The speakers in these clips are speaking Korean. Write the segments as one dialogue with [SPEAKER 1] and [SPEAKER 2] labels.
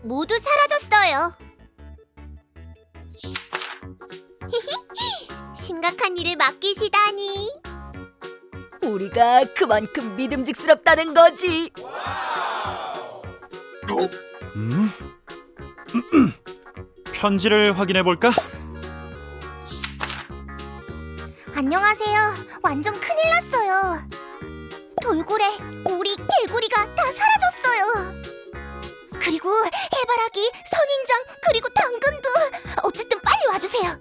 [SPEAKER 1] 모두 사라졌어요. 심각한 일을 맡기시다니.
[SPEAKER 2] 우리가 그만큼 믿음직스럽다는 거지.
[SPEAKER 3] 편지를 확인해 볼까?
[SPEAKER 1] 안녕하세요. 완전 큰일 났어요. 돌고래, 오리, 개구리가 다 사라졌어요. 그리고 해바라기, 선인장, 그리고 당근도. 어쨌든 빨리 와주세요.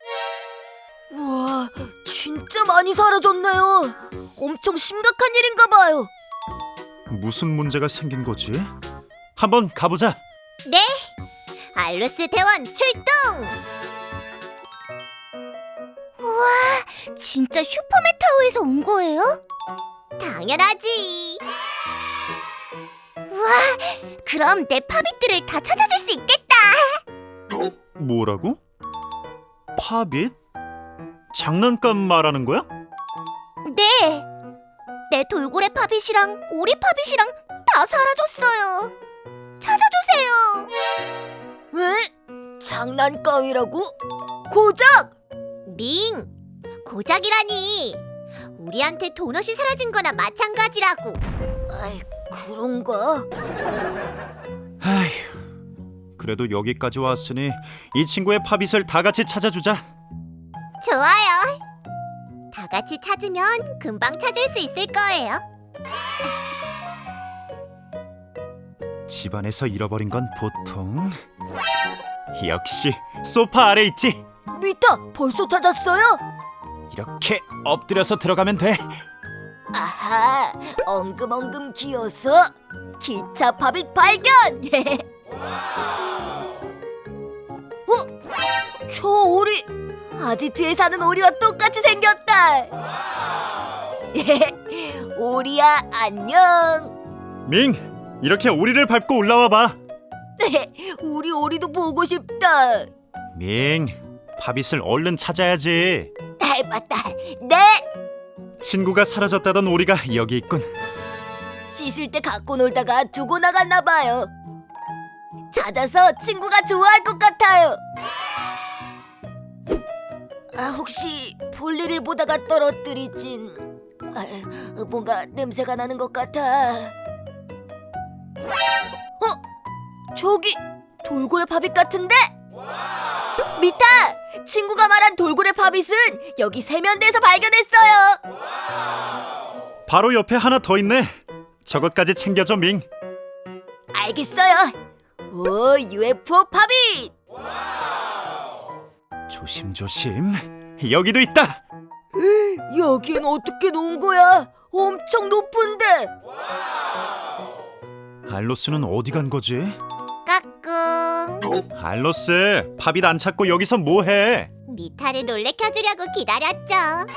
[SPEAKER 2] 우와, 진짜 많이 사라졌네요. 엄청 심각한 일인가 봐요.
[SPEAKER 3] 무슨 문제가 생긴 거지? 한번 가보자.
[SPEAKER 1] 네, 알루스 대원 출동! 우와, 진짜 슈퍼메타우에서 온 거예요? 당연하지. 우와, 그럼 내 팝잇들을 다 찾아줄 수 있겠다.
[SPEAKER 3] 뭐라고? 팝잇? 장난감 말하는 거야?
[SPEAKER 1] 네, 내 돌고래 팝잇이랑 오리 팝잇이랑 다 사라졌어요. 찾아주세요.
[SPEAKER 2] 왜? 장난감이라고? 고작!
[SPEAKER 1] 밍, 고작이라니. 우리한테 도넛이 사라진 거나 마찬가지라고.
[SPEAKER 2] 아이, 그런가?
[SPEAKER 3] 아휴, 그래도 여기까지 왔으니 이 친구의 팝잇을 다 같이 찾아주자.
[SPEAKER 1] 좋아요. 다 같이 찾으면 금방 찾을 수 있을 거예요.
[SPEAKER 3] 집안에서 잃어버린 건 보통 역시 소파 아래 있지.
[SPEAKER 2] 미타, 벌써 찾았어요?
[SPEAKER 3] 이렇게 엎드려서 들어가면 돼.
[SPEAKER 2] 아하, 엉금엉금 기어서 기차 팝잇 발견! 저 오리, 아지트에 사는 오리와 똑같이 생겼다. 오리야, 안녕.
[SPEAKER 3] 밍, 이렇게 오리를 밟고 올라와 봐.
[SPEAKER 2] 우리 오리도 보고 싶다.
[SPEAKER 3] 밍, 팝잇을 얼른 찾아야지.
[SPEAKER 2] 맞다. 네.
[SPEAKER 3] 친구가 사라졌다던 오리가 여기 있군.
[SPEAKER 2] 씻을 때 갖고 놀다가 두고 나갔나 봐요. 찾아서 친구가 좋아할 것 같아요. 혹시 볼일을 보다가 떨어뜨리진... 뭔가 냄새가 나는 것 같아. 저기 돌고래 팝잇 같은데? 미타! 친구가 말한 돌고래 팝잇은 여기 세면대에서 발견했어요.
[SPEAKER 3] 바로 옆에 하나 더 있네. 저것까지 챙겨줘, 밍.
[SPEAKER 2] 알겠어요. 오, UFO 팝잇!
[SPEAKER 3] 조심조심. 여기도 있다.
[SPEAKER 2] 여긴 어떻게 놓은 거야? 엄청 높은데.
[SPEAKER 3] 알로스는 어디 간 거지?
[SPEAKER 1] 까꿍.
[SPEAKER 3] 알로스, 팝잇 안 찾고 여기서 뭐해?
[SPEAKER 1] 미타를 놀래켜주려고 기다렸죠.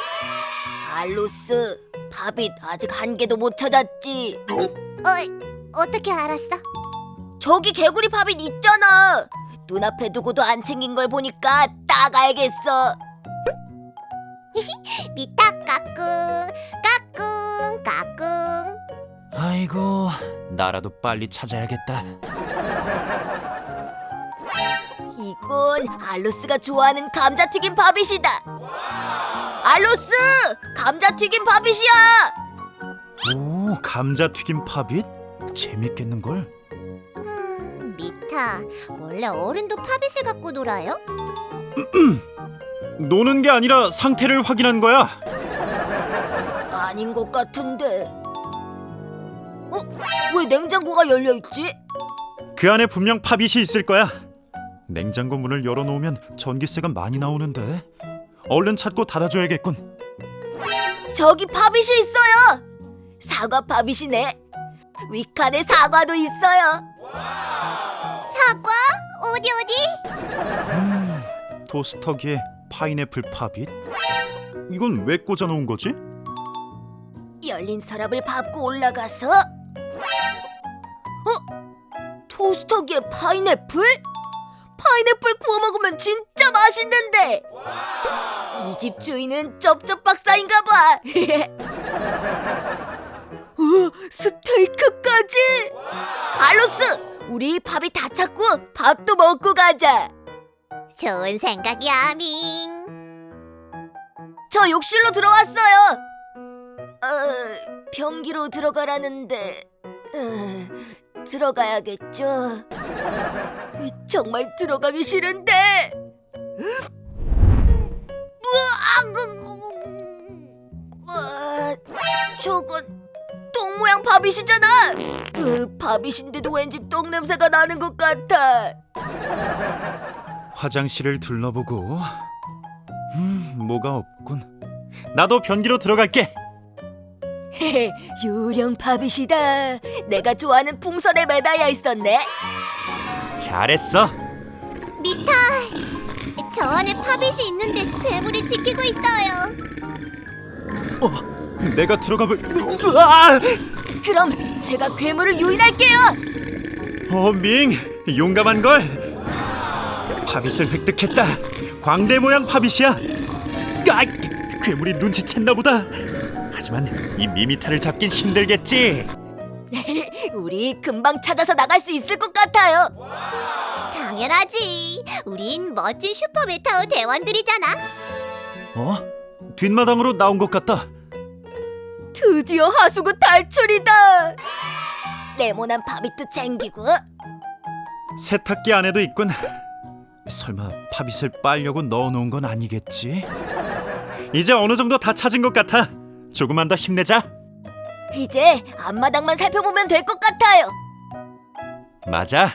[SPEAKER 2] 알로스, 팝잇 아직 한 개도 못 찾았지.
[SPEAKER 1] 어떻게 알았어?
[SPEAKER 2] 저기 개구리 팝잇 있잖아. 눈앞에 두고도 안 챙긴 걸 보니까 딱 알겠어.
[SPEAKER 1] 미타 까꿍, 까꿍, 까꿍.
[SPEAKER 3] 아이고, 나라도 빨리 찾아야겠다.
[SPEAKER 2] 이건 알로스가 좋아하는 감자튀김 팝잇이다. 알로스! 감자튀김 팝잇이야!
[SPEAKER 3] 오, 감자튀김 팝잇? 재밌겠는걸?
[SPEAKER 1] 미타, 원래 어른도 팝잇을 갖고 놀아요?
[SPEAKER 3] 노는 게 아니라 상태를 확인한 거야.
[SPEAKER 2] 아닌 것 같은데. 왜 냉장고가 열려있지?
[SPEAKER 3] 그 안에 분명 팝잇이 있을 거야. 냉장고 문을 열어놓으면 전기세가 많이 나오는데 얼른 찾고 닫아줘야겠군.
[SPEAKER 2] 저기 팝잇이 있어요. 사과 팝잇이네. 위칸에 사과도 있어요.
[SPEAKER 1] 사과? 어디?
[SPEAKER 3] 토스터기에 파인애플 팝잇? 이건 왜 꽂아놓은 거지?
[SPEAKER 2] 열린 서랍을 밟고 올라가서 토스터기에 파인애플? 파인애플 구워 먹으면 진짜 맛있는데. 이 집 주인은 쩝쩝 박사인가 봐. 스테이크까지. 알로스, 우리 밥이 다 찼고 밥도 먹고 가자.
[SPEAKER 1] 좋은 생각이야, 밍.
[SPEAKER 2] 저 욕실로 들어왔어요. 변기로 들어가라는데 들어가야겠죠. 정말 들어가기 싫은데. 저건 똥 모양 밥이시잖아. 밥이신데도 왠지 똥 냄새가 나는 것 같아.
[SPEAKER 3] 화장실을 둘러보고 뭐가 없군. 나도 변기로 들어갈게.
[SPEAKER 2] 유령 밥이시다. 내가 좋아하는 풍선에 매달려 있었네.
[SPEAKER 3] 잘했어.
[SPEAKER 1] 미타, 저 안에 팝잇이 있는데 괴물이 지키고 있어요.
[SPEAKER 3] 내가 들어가볼. 으아!
[SPEAKER 2] 그럼 제가 괴물을 유인할게요.
[SPEAKER 3] 밍, 용감한 걸. 팝잇을 획득했다. 광대 모양 팝잇이야. 괴물이 눈치챘나 보다. 하지만 이 미미타를 잡긴 힘들겠지.
[SPEAKER 2] 우리 금방 찾아서 나갈 수 있을 것 같아요.
[SPEAKER 1] 당연하지. 우린 멋진 슈퍼 메타우 대원들이잖아.
[SPEAKER 3] 뒷마당으로 나온 것 같다.
[SPEAKER 2] 드디어 하수구 탈출이다. 레몬한 밥이도 챙기고.
[SPEAKER 3] 세탁기 안에도 있군. 설마 팝잇을 빨려고 넣어놓은 건 아니겠지? 이제 어느 정도 다 찾은 것 같아. 조금만 더 힘내자.
[SPEAKER 2] 이제 앞마당만 살펴보면 될 것 같아요.
[SPEAKER 3] 맞아.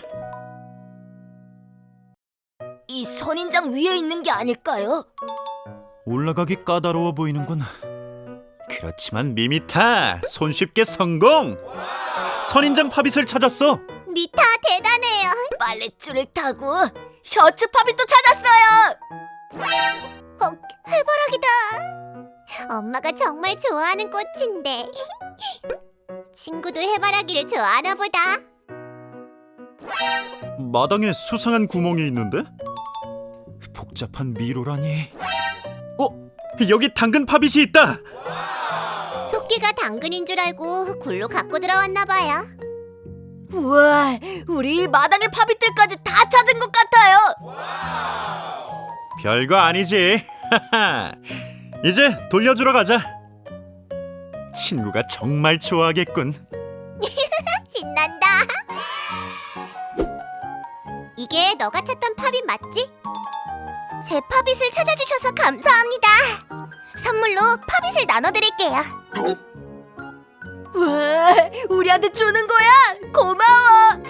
[SPEAKER 2] 이 선인장 위에 있는 게 아닐까요?
[SPEAKER 3] 올라가기 까다로워 보이는군. 그렇지만 미미타, 손쉽게 성공! 선인장 팝잇을 찾았어.
[SPEAKER 1] 미타 대단해요.
[SPEAKER 2] 빨랫줄을 타고 셔츠 팝잇도 찾았어요.
[SPEAKER 1] 해바라기다. 엄마가 정말 좋아하는 꽃인데. 친구도 해바라기를 좋아하나 보다.
[SPEAKER 3] 마당에 수상한 구멍이 있는데? 복잡한 미로라니. 여기 당근 팝잇이 있다.
[SPEAKER 1] 토끼가 당근인 줄 알고 굴로 갖고 들어왔나 봐요.
[SPEAKER 2] 우와, 우리 마당의 팝잇들까지 다 찾은 것 같아요.
[SPEAKER 3] 별거 아니지. 이제 돌려주러 가자. 친구가 정말 좋아하겠군.
[SPEAKER 1] 신난다. 이게 너가 찾던 팝잇 맞지? 제 팝잇을 찾아주셔서 감사합니다. 선물로 팝잇을 나눠드릴게요.
[SPEAKER 2] 우와, 우리한테 주는 거야? 고마워.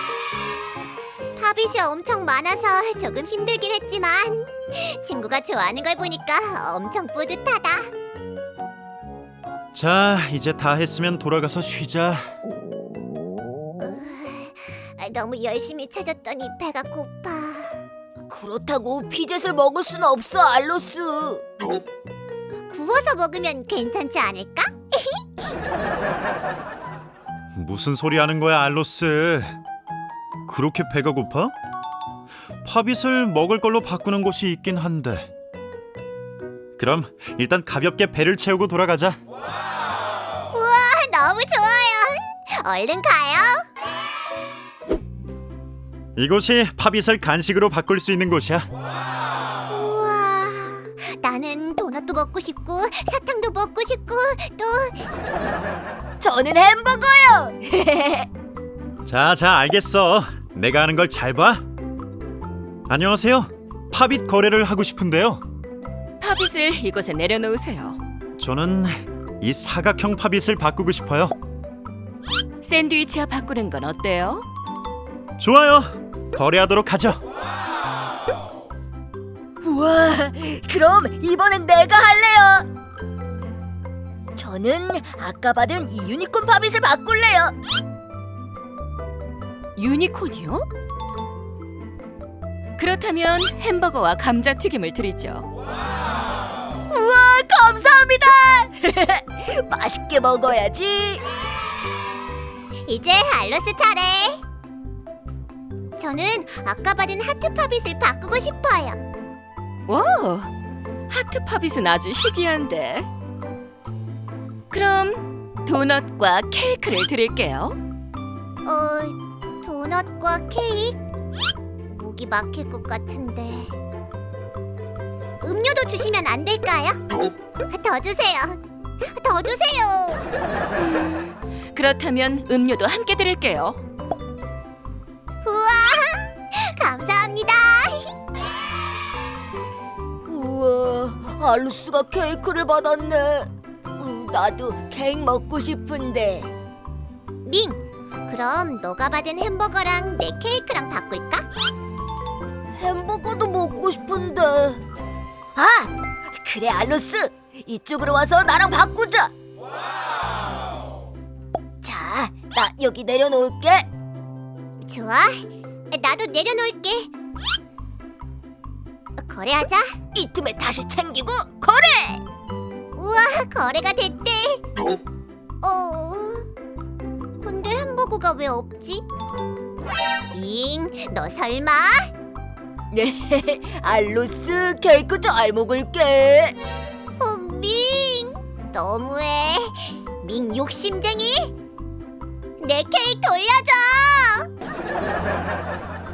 [SPEAKER 1] 팝잇이 엄청 많아서 조금 힘들긴 했지만 친구가 좋아하는 걸 보니까 엄청 뿌듯하다.
[SPEAKER 3] 자, 이제 다 했으면 돌아가서 쉬자.
[SPEAKER 1] 너무 열심히 찾았더니 배가 고파.
[SPEAKER 2] 그렇다고 피젯을 먹을 수는 없어, 알로스.
[SPEAKER 1] 구워서 먹으면 괜찮지 않을까?
[SPEAKER 3] 무슨 소리 하는 거야, 알로스? 그렇게 배가 고파? 팝잇을 먹을 걸로 바꾸는 곳이 있긴 한데. 그럼 일단 가볍게 배를 채우고 돌아가자.
[SPEAKER 1] 우와, 너무 좋아요. 얼른 가요.
[SPEAKER 3] 이곳이 팝잇을 간식으로 바꿀 수 있는 곳이야.
[SPEAKER 1] 우와, 나는 도넛도 먹고 싶고 사탕도 먹고 싶고 또
[SPEAKER 2] 저는 햄버거요.
[SPEAKER 3] 자, 알겠어. 내가 하는 걸 잘 봐. 안녕하세요. 팝잇 거래를 하고 싶은데요.
[SPEAKER 4] 팝잇을 이곳에 내려놓으세요.
[SPEAKER 3] 저는 이 사각형 팝잇을 바꾸고 싶어요.
[SPEAKER 4] 샌드위치와 바꾸는 건 어때요?
[SPEAKER 3] 좋아요. 거래하도록 하죠.
[SPEAKER 2] 우와, 그럼 이번엔 내가 할래요. 저는 아까 받은 이 유니콘 팝잇을 바꿀래요.
[SPEAKER 4] 유니콘이요? 그렇다면 햄버거와 감자튀김을 드리죠.
[SPEAKER 2] 우와, 감사합니다. 맛있게 먹어야지.
[SPEAKER 1] 이제 알로스 차례. 저는 아까 받은 하트 팝잇을 바꾸고 싶어요.
[SPEAKER 4] 와, 하트 팝잇은 아주 희귀한데. 그럼 도넛과 케이크를 드릴게요.
[SPEAKER 1] 도넛과 케이크? 목이 막힐 것 같은데. 음료도 주시면 안 될까요? 더 주세요. 더 주세요.
[SPEAKER 4] 그렇다면 음료도 함께 드릴게요.
[SPEAKER 1] 우와, 감사합니다.
[SPEAKER 2] 우와, 알로스가 케이크를 받았네. 나도 케이크 먹고 싶은데.
[SPEAKER 1] 밍, 그럼 너가 받은 햄버거랑 내 케이크랑 바꿀까?
[SPEAKER 2] 햄버거도 먹고 싶은데. 아, 그래 알로스. 이쪽으로 와서 나랑 바꾸자. 자, 나 여기 내려놓을게.
[SPEAKER 1] 좋아, 나도 내려놓을게. 거래하자.
[SPEAKER 2] 이 틈에 다시 챙기고 거래.
[SPEAKER 1] 우와, 거래가 됐대. 근데 햄버거가 왜 없지? 밍, 너 설마?
[SPEAKER 2] 네, 알로스 케이크 잘 먹을게.
[SPEAKER 1] 밍, 너무해. 밍 욕심쟁이. 내 케이크 돌려줘.